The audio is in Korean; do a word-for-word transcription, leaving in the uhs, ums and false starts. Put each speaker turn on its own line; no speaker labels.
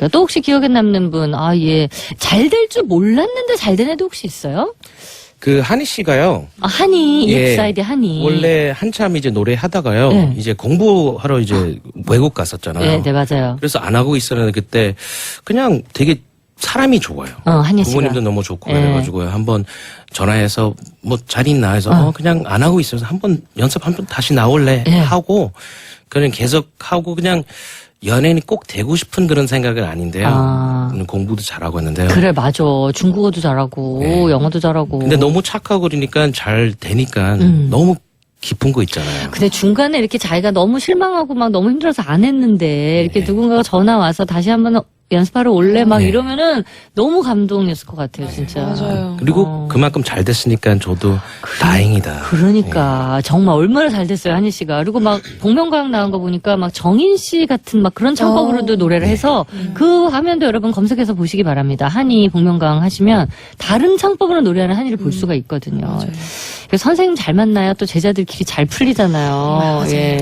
그러니까 또 혹시 기억에 남는 분, 아, 예. 잘 될 줄 몰랐는데 잘 된 애도 혹시 있어요?
그 한희 씨가요.
아, 한이,
예.
이엑스아이디 한이.
원래 한참 이제 노래 하다가요.
네.
이제 공부하러 이제 외국 갔었잖아요.
네, 네, 맞아요.
그래서 안 하고 있었는데 그때 그냥 되게 사람이 좋아요.
어, 한희 씨가.
부모님도 너무 좋고
네.
그래가지고요. 한번 전화해서 뭐 잘 있나 해서
어.
어, 그냥 안 하고 있어서 한번 연습 한번 다시 나올래
네.
하고 그냥 계속 하고 그냥 연예인이 꼭 되고 싶은 그런 생각은 아닌데요.
아.
공부도 잘하고 했는데요.
그래, 맞아. 중국어도 잘하고,
네.
영어도 잘하고.
근데 너무 착하고 그러니까 잘 되니까
음.
너무 깊은 거 있잖아요.
근데 중간에 이렇게 자기가 너무 실망하고 막 너무 힘들어서 안 했는데, 이렇게
네.
누군가가 전화 와서 다시 한번 연습하러 올래? 막
네.
이러면은 너무 감동이었을 것 같아요, 진짜.
맞아요.
그리고
어.
그만큼 잘 됐으니까 저도 다행이다.
그러니까 정말 얼마나 잘 됐어요, 한희 씨가. 그리고 막 복면가왕 나온 거 보니까 막 정인 씨 같은 막 그런 창법으로도
어.
노래를 해서 그 화면도 여러분 검색해서 보시기 바랍니다. 한희 복면가왕 하시면 다른 창법으로 노래하는 한희를 볼 수가 있거든요.
맞아요.
그래서 선생님 잘 만나야 또 제자들끼리 잘 풀리잖아요.
맞아요.
예.